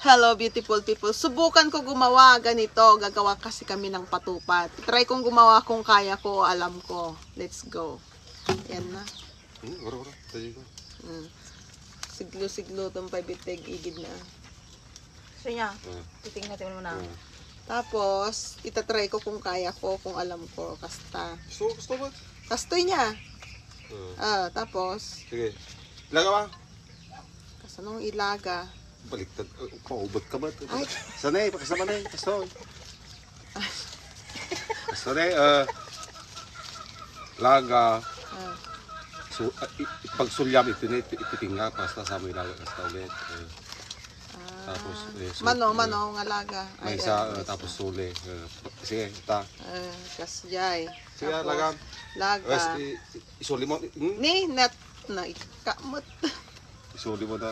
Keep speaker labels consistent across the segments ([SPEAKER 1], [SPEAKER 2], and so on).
[SPEAKER 1] Hello beautiful people. Subukan ko gumawa ganito. Gagawa kasi kami ng patupat. Try kong gumawa kung kaya ko, alam ko. Let's go. Yan na. Siglo-siglo itong pabitig. Igid na.
[SPEAKER 2] So niya, titingnan natin muna.
[SPEAKER 1] Tapos, itatry ko kung kaya ko, kung alam ko. Kasta.
[SPEAKER 3] Gusto ba?
[SPEAKER 1] Kastoy niya. Tapos.
[SPEAKER 3] Sige. Ilaga ba?
[SPEAKER 1] Kasanong ilaga.
[SPEAKER 3] Baliktad. Paubot ka ba? Sanay, pakasama na yun. Kastoy. Kastoy, laga. So, pagsulyam, ititinga. Basta sa mo ilaga. Kasta ulit. Tapos,
[SPEAKER 1] Mano, nga laga.
[SPEAKER 3] May isa, tapos suli. Sige, ita.
[SPEAKER 1] Kasyay.
[SPEAKER 3] Sige, laga.
[SPEAKER 1] Laga.
[SPEAKER 3] Isuli mo.
[SPEAKER 1] Ni, na ikamot.
[SPEAKER 3] Isuli mo na.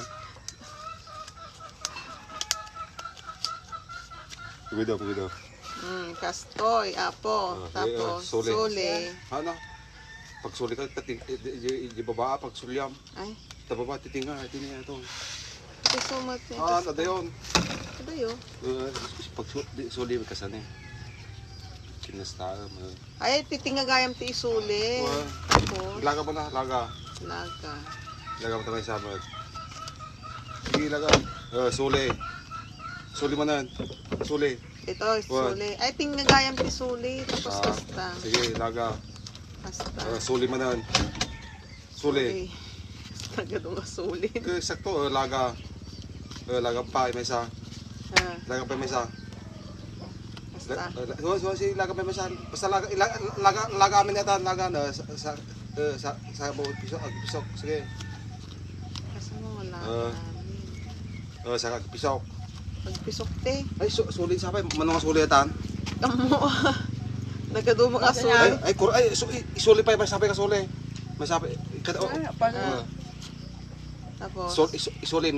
[SPEAKER 3] Pugido.
[SPEAKER 1] Kastoy, apo. Tapos, suli.
[SPEAKER 3] Ano? Pag suli ka, di baba, pag sulyam.
[SPEAKER 1] Ay.
[SPEAKER 3] Tababa, titinga, ito.
[SPEAKER 1] Sumat niya.
[SPEAKER 3] Nada yun.
[SPEAKER 1] Ano yun?
[SPEAKER 3] Pag suli, kasane. Kinasta.
[SPEAKER 1] Ay, titingagayam ti isuli. Tapos,
[SPEAKER 3] Laga mo na, laga.
[SPEAKER 1] laga.
[SPEAKER 3] Laga mo tamay sabag. Sige, laga. Suli. Suli mo na. Suli.
[SPEAKER 1] Ito, suli. Ay, tingagayam ti suli. Tapos, kasta.
[SPEAKER 3] Sige, laga.
[SPEAKER 1] Kasta.
[SPEAKER 3] Suli mo na. Suli.
[SPEAKER 1] Tagadong asuli.
[SPEAKER 3] Sakto, laga. Laga pa, may isa. Laga pa, may isa.
[SPEAKER 1] Kasta.
[SPEAKER 3] Si laga pa, may isa. Basta laga amin yata. Laga na sa bawat pisok. Sige.
[SPEAKER 1] Kasi mo wala namin.
[SPEAKER 3] Sa pisok.
[SPEAKER 1] Pagpisok te.
[SPEAKER 3] Ay, suli sa pa. Manong suli yatan.
[SPEAKER 1] Tamo. Nagadumang asuli.
[SPEAKER 3] Isuli pa, may sabi ka suli. May sabi.
[SPEAKER 1] Tapos.
[SPEAKER 3] Isuli.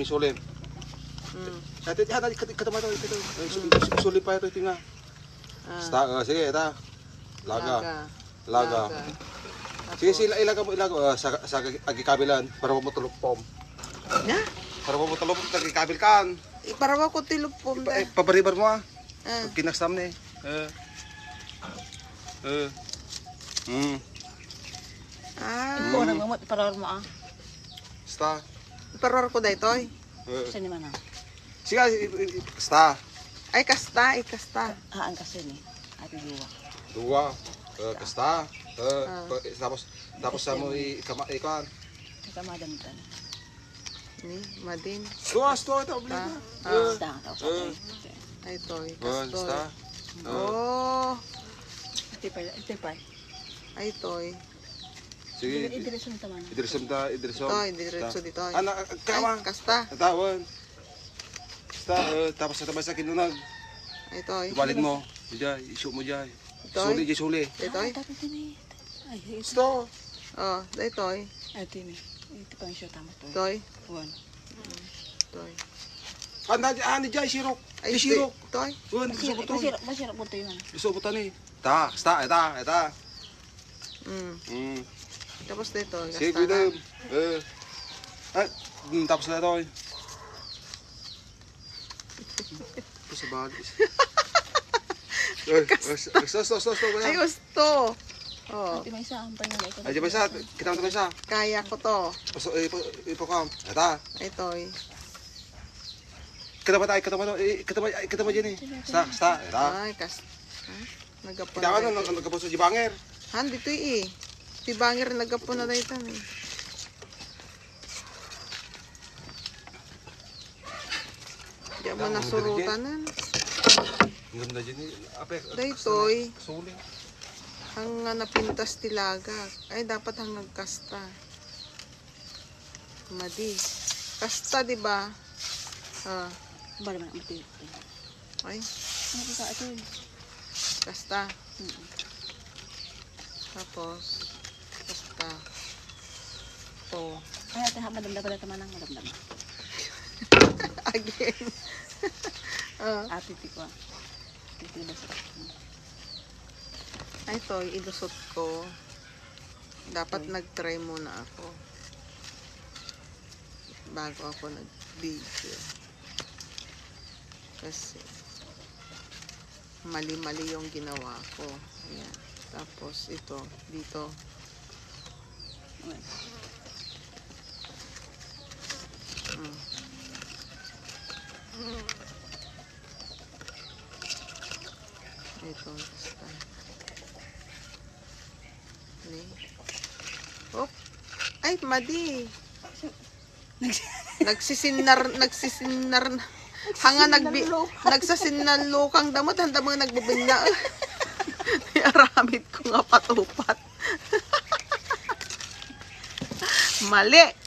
[SPEAKER 3] Katama ito. Isuli pa ito, tinga. Sige, ito. Laga. Sige, ilaga mo. Sa agikabilan. Para mo matulupom.
[SPEAKER 1] Na?
[SPEAKER 3] Para mo matulupom, agikabil kan.
[SPEAKER 1] Iparawa ko tilupom da.
[SPEAKER 3] Pabaribar mo Kinaksam na
[SPEAKER 2] Ito, nagmamot, iparawar mo
[SPEAKER 3] Sta.
[SPEAKER 1] Iparawar ko da ito eh.
[SPEAKER 2] Saan naman
[SPEAKER 3] Sige, sta.
[SPEAKER 1] Ay, kasta.
[SPEAKER 2] Ang kasi ni, ati
[SPEAKER 3] Dua.
[SPEAKER 2] duwa.
[SPEAKER 3] Kasta. Tapos sa mo ikan.
[SPEAKER 2] Ikamadamitan.
[SPEAKER 1] Ni, madin.
[SPEAKER 3] Sta ito.
[SPEAKER 1] Ay, ito eh.
[SPEAKER 3] Sta.
[SPEAKER 1] Oh.
[SPEAKER 2] Ito pa.
[SPEAKER 1] Ay, ito eh.
[SPEAKER 3] Sige.
[SPEAKER 2] Idiresyon ito man.
[SPEAKER 3] Idiresyon.
[SPEAKER 1] Ito eh, diretso dito eh.
[SPEAKER 3] Kama.
[SPEAKER 1] Ay, kasta.
[SPEAKER 3] Tawan. Sta. Tapos sa tabas sa kinunag.
[SPEAKER 1] Ay, ito eh.
[SPEAKER 3] Ibalin mo. Isu mo dyan.
[SPEAKER 1] Ito eh.
[SPEAKER 3] Suli.
[SPEAKER 1] Ito eh.
[SPEAKER 2] Ay,
[SPEAKER 3] Sta.
[SPEAKER 1] Oh, ito eh.
[SPEAKER 2] ito ni. Ito pa yung show tama to.
[SPEAKER 1] Ito eh.
[SPEAKER 2] One.
[SPEAKER 1] Ito eh.
[SPEAKER 3] Ano dyan, sirok.
[SPEAKER 1] Ay,
[SPEAKER 3] Sirok.
[SPEAKER 1] ito eh.
[SPEAKER 2] Masirap po ito yun.
[SPEAKER 3] Gusto mo tani. Sta.
[SPEAKER 1] Tapos dito,
[SPEAKER 3] Sige,
[SPEAKER 1] kasta na.
[SPEAKER 3] Tapos na ito. Ito sa bagis.
[SPEAKER 1] Ay, gusto. Oh,
[SPEAKER 2] Ito may isa ang panyo.
[SPEAKER 3] Ay, di ba isa? Kita mo ito ba isa?
[SPEAKER 1] kaya ko to.
[SPEAKER 3] Ipokam. Ito.
[SPEAKER 1] Ito eh.
[SPEAKER 3] Kita mo dyan eh. Sta. Ito.
[SPEAKER 1] Ay, kasta. Nagapon
[SPEAKER 3] Kita
[SPEAKER 1] na
[SPEAKER 3] mo, nagkapos sa jibanger.
[SPEAKER 1] Han, dito eh. Si Banger nagapon na dito eh. Diyan mo nasurutanan.
[SPEAKER 3] Ganda dyan eh.
[SPEAKER 1] Dito eh.
[SPEAKER 3] Suli.
[SPEAKER 1] Ang napintas tilaga. Ay, dapat hanggang kasta. Madi. Kasta, di ba?
[SPEAKER 2] Bala man ang mati.
[SPEAKER 1] Ay,
[SPEAKER 2] Ano ka ito?
[SPEAKER 1] kasta. Tapos, kasta. Oh.
[SPEAKER 2] Ay, ate, madamda pala tamanang madamda.
[SPEAKER 1] Again.
[SPEAKER 2] Ate, tiko. Ito na sa
[SPEAKER 1] Ay, ito, ilusot ko. Dapat nag-try muna ako. bago ako nag-video. Kasi mali-mali yung ginawa ko. Ayan. Tapos ito, dito. Mm. Ito, basta. Oh. Ay, madi. Nagsisinnar na. Hanga nagsasinalukang damot, handa mga nagbubinla. Aramid ko nga patupat. Mali.